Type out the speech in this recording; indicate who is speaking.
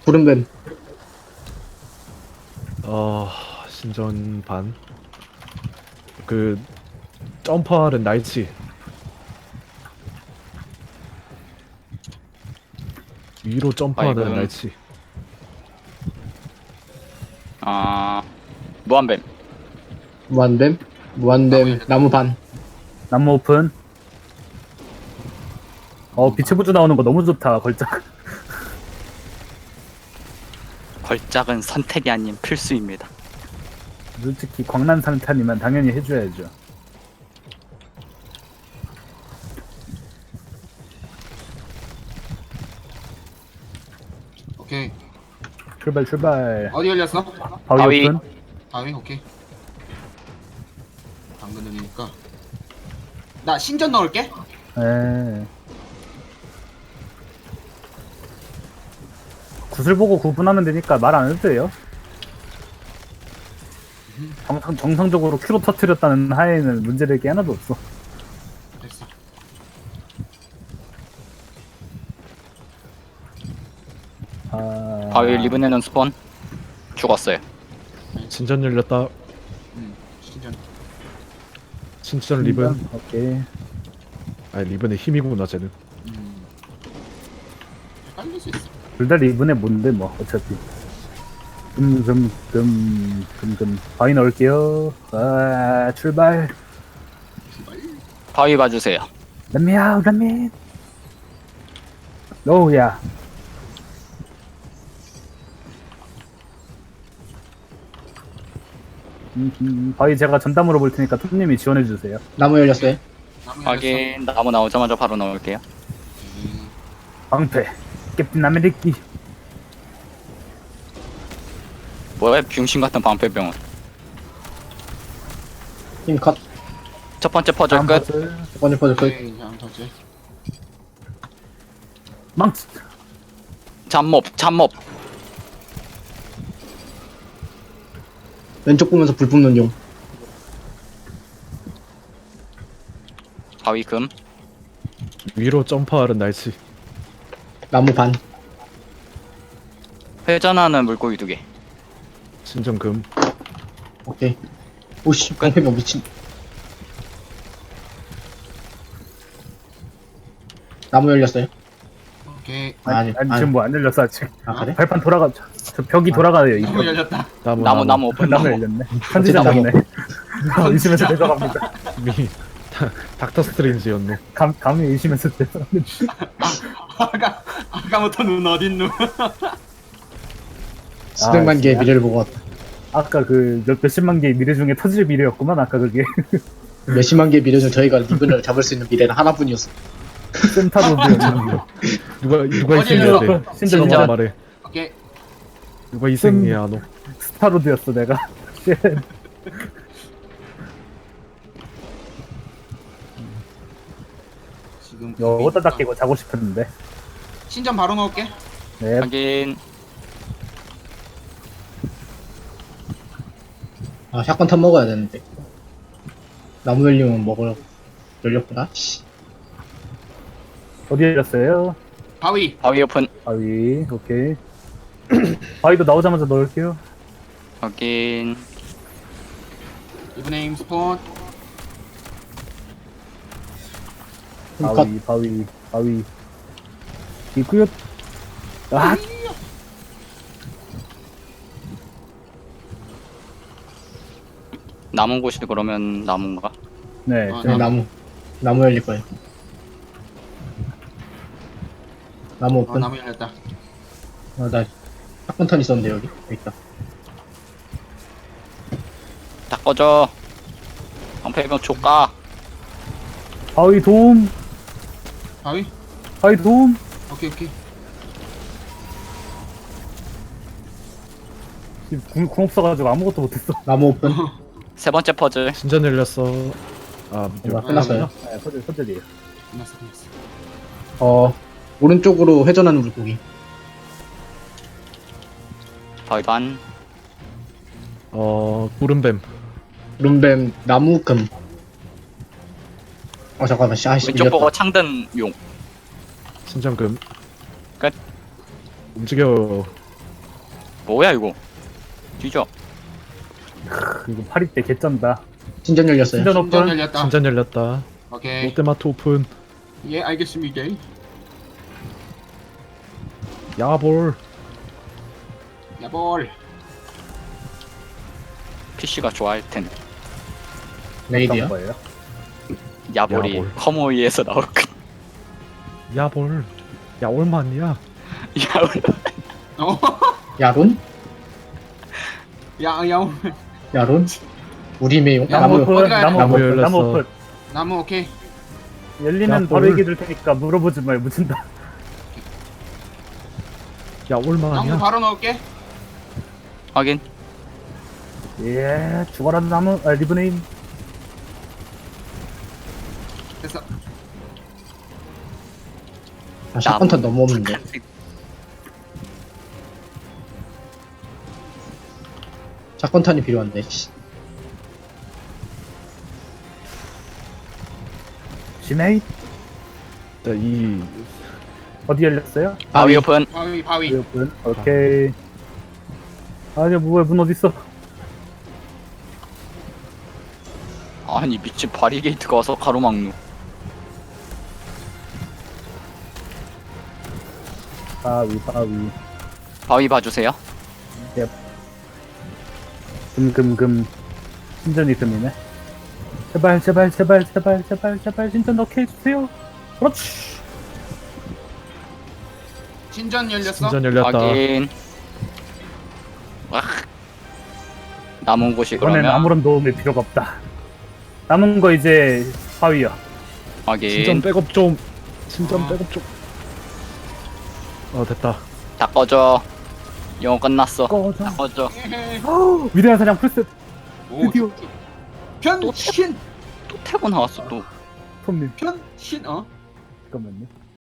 Speaker 1: 구름뱀.
Speaker 2: 신전 반. 그 점퍼하는 날치. 위로 점퍼하는
Speaker 3: 아이고.
Speaker 2: 날치.
Speaker 3: 무한뱀.
Speaker 1: 무한뱀. 무한뱀 나무 반.
Speaker 4: 나무 오픈. 빛의 부주 나오는 거 너무 좋다, 걸작.
Speaker 3: 걸작은 선택이 아닌 필수입니다.
Speaker 4: 솔직히 광란 상탄이면 당연히 해줘야죠.
Speaker 5: 오케이.
Speaker 4: 출발 출발.
Speaker 5: 어디 열렸어?
Speaker 4: 바위
Speaker 3: 바위.
Speaker 4: 오픈.
Speaker 5: 바위 오케이. 당근 열리니까. 나 신전 넣을게.
Speaker 4: 예. 구슬 보고 구분하면 되니까 말 안 해도 돼요. 정상적으로 큐로 터트렸다는 하에는 문제될 게 하나도 없어.
Speaker 5: 됐어.
Speaker 3: 바위 리븐에는 스폰. 죽었어요.
Speaker 2: 신전 열렸다.
Speaker 5: 신전.
Speaker 2: 신전 리븐.
Speaker 4: 오케이.
Speaker 2: 아니 리븐의 힘이구나 쟤는.
Speaker 5: 헷갈릴 수 있어.
Speaker 4: 둘 다 리븐에 뭔데 뭐 어차피. 바위 넣을게요. 출발.
Speaker 3: 바위 봐주세요.
Speaker 4: Let me out, let me in. 오우야. 바위 제가 전담으로 볼 테니까 톱님이 지원해 주세요.
Speaker 1: 나무 열렸어요.
Speaker 5: 나무 열렸어.
Speaker 3: 확인. 나무 나오자마자 바로 넣을게요.
Speaker 4: 방패. 캡틴 아메리키.
Speaker 3: 뭐야 병신 같은 방패병은.
Speaker 1: 힘 컷.
Speaker 3: 첫 번째 퍼즐
Speaker 4: 다음
Speaker 3: 끝.
Speaker 4: 퍼즐.
Speaker 1: 첫 번째 퍼즐 끝.
Speaker 5: 오케이. 다음 터지.
Speaker 4: 망치.
Speaker 3: 잡몹.
Speaker 1: 왼쪽 보면서 불 뿜는 용.
Speaker 3: 바위 금.
Speaker 2: 위로 점퍼하는 날치.
Speaker 1: 나무 반.
Speaker 3: 회전하는 물고기 2개.
Speaker 2: 신전 금.
Speaker 1: 오케이. 오씨 방패병 미친. 나무 열렸어요.
Speaker 5: 오케이.
Speaker 1: 아니
Speaker 4: 지금 뭐 안 열렸어 아직.
Speaker 1: 아 그래?
Speaker 4: 발판 돌아가. 저 벽이 돌아가요 이
Speaker 5: 나무
Speaker 4: 벽.
Speaker 5: 열렸다.
Speaker 3: 나무 오픈.
Speaker 4: 나무
Speaker 3: 나무.
Speaker 4: 열렸네. 선지자 잡네. 의심해서 내려갑니다.
Speaker 2: 미 닥터 스트레인지였네.
Speaker 4: 감히 의심해서 내려갑니다.
Speaker 5: 아까부터 눈 어딨누?
Speaker 1: 수백만 개의
Speaker 4: 진짜?
Speaker 1: 미래를 보고 왔다.
Speaker 4: 아까 그 몇십만 개의 미래 중에 터질 미래였구만 아까 그게.
Speaker 1: 몇십만 개의 미래 중 저희가 리븐을 잡을 수 있는 미래는 하나뿐이었어.
Speaker 4: 센타로드였는데.
Speaker 2: 누가
Speaker 5: 어디
Speaker 2: 희생해야 돼?
Speaker 4: 열렸어? 신전
Speaker 2: 신전
Speaker 4: 신전.
Speaker 2: 말해.
Speaker 5: 오케이.
Speaker 2: 누가 희생해야 하노?
Speaker 4: 스타로드였어 내가.
Speaker 5: 지금
Speaker 4: 어디다 닦이고 자고 싶었는데.
Speaker 5: 신전 바로 넣을게.
Speaker 4: 네.
Speaker 3: 확인.
Speaker 1: 아 샷건 탑 먹어야 되는데. 나무 열리면 먹으라고. 열렸구나. 씨.
Speaker 4: 어디 열렸어요?
Speaker 5: 바위.
Speaker 3: 바위 오픈.
Speaker 4: 바위. 오케이. 바위도 나오자마자 넣을게요.
Speaker 3: 확인.
Speaker 5: 이브네임 스폰.
Speaker 1: 힘 컷.
Speaker 4: 바위. 이구요. 아,
Speaker 3: 남은 곳이 그러면 나무인가?
Speaker 4: 네.
Speaker 5: 아,
Speaker 1: 네, 나무 열릴 거예요. 나무 오픈.
Speaker 5: 나무 열렸다.
Speaker 1: 나 샷건 턴 있었는데 여기 있다.
Speaker 3: 다 꺼져. 방패병 조까.
Speaker 4: 바위 도움.
Speaker 5: 바위.
Speaker 4: 바위 도움.
Speaker 5: 오케이.
Speaker 4: 궁 없어가지고 아무것도 못했어.
Speaker 1: 나무 오픈.
Speaker 3: 세 번째 퍼즐.
Speaker 2: 신전 열렸어. 아
Speaker 1: 뭐야, 끝났어요.
Speaker 4: 네, 퍼즐이에요.
Speaker 5: 끝났어.
Speaker 1: 오른쪽으로 회전하는 물고기.
Speaker 3: 바위 반.
Speaker 2: 구름뱀.
Speaker 1: 룸뱀 나무금. 잠깐만. 아씨
Speaker 3: 왼쪽
Speaker 1: 밀렸다.
Speaker 3: 보고 창든 용.
Speaker 2: 신전 금.
Speaker 3: 끝.
Speaker 2: 움직여.
Speaker 3: 뭐야 이거? 뒤져.
Speaker 4: 이거 파리 때 개쩐다.
Speaker 1: 신전 열렸어요.
Speaker 4: 신전
Speaker 5: 신전
Speaker 4: 오픈.
Speaker 5: 열렸다.
Speaker 2: 신전 열렸다.
Speaker 5: 오케이.
Speaker 2: 롯데마트 오픈.
Speaker 5: 예, 알겠습니다.
Speaker 2: 야볼.
Speaker 5: 야볼.
Speaker 3: PC가 좋아할 텐.
Speaker 1: 레이디야.
Speaker 4: 어떤 거예요?
Speaker 3: 야볼이
Speaker 2: 야볼.
Speaker 3: 커모이에서 나올 거.
Speaker 2: 야볼. 야 얼마냐?
Speaker 3: 야볼.
Speaker 5: 어?
Speaker 1: 야론?
Speaker 5: 야,
Speaker 1: 야론? 우리 매용?
Speaker 4: 나무
Speaker 1: 나무.
Speaker 4: 오픈.
Speaker 5: 어디 가야 돼?
Speaker 4: 나무
Speaker 2: 나무
Speaker 4: 오픈.
Speaker 2: 열렸어.
Speaker 4: 나무 오픈.
Speaker 5: 나무 오케이.
Speaker 4: 열리면
Speaker 2: 야,
Speaker 4: 바로
Speaker 2: 뭘.
Speaker 4: 얘기 들 테니까 물어보지 마요. 묻힌다.
Speaker 2: 야
Speaker 5: 나무
Speaker 2: 얼마냐?
Speaker 5: 바로 넣을게.
Speaker 3: 확인.
Speaker 4: 예, 죽어라 나무. 아, 리브네임.
Speaker 5: 됐어.
Speaker 1: 아, 샷건탄 너무 없는데. 샷건탄이 필요한데. 씨.
Speaker 4: 지메이
Speaker 2: 이
Speaker 4: 어디 열렸어요?
Speaker 3: 바위 오픈.
Speaker 5: 바위.
Speaker 4: 오픈. 오케이. 아니 뭐야 문 어디 있어?
Speaker 3: 아니 미친 바리게이트가 와서 가로막루.
Speaker 4: 바위.
Speaker 3: 바위 봐주세요.
Speaker 4: 금. 신전이 금이네. 제발 신전 넣게 해주세요. 그렇지.
Speaker 5: 신전 열렸어.
Speaker 2: 신전 열렸다.
Speaker 3: 확인. 와. 남은 곳이
Speaker 4: 이번엔
Speaker 3: 그러면
Speaker 4: 아무런 도움이 필요가 없다. 남은 거 이제 바위야.
Speaker 3: 확인.
Speaker 2: 신전 백업 좀. 신전 백업 좀. 됐다.
Speaker 3: 다 꺼져. 영어 끝났어.
Speaker 4: 꺼져.
Speaker 3: 다 꺼져.
Speaker 5: 에헤.
Speaker 4: 위대한 사냥 풀셋.
Speaker 5: 오,
Speaker 4: 드디어.
Speaker 5: 변신.
Speaker 3: 또 태고 나왔어 또.
Speaker 4: 톰님
Speaker 5: 변신. 어?
Speaker 4: 잠깐만요.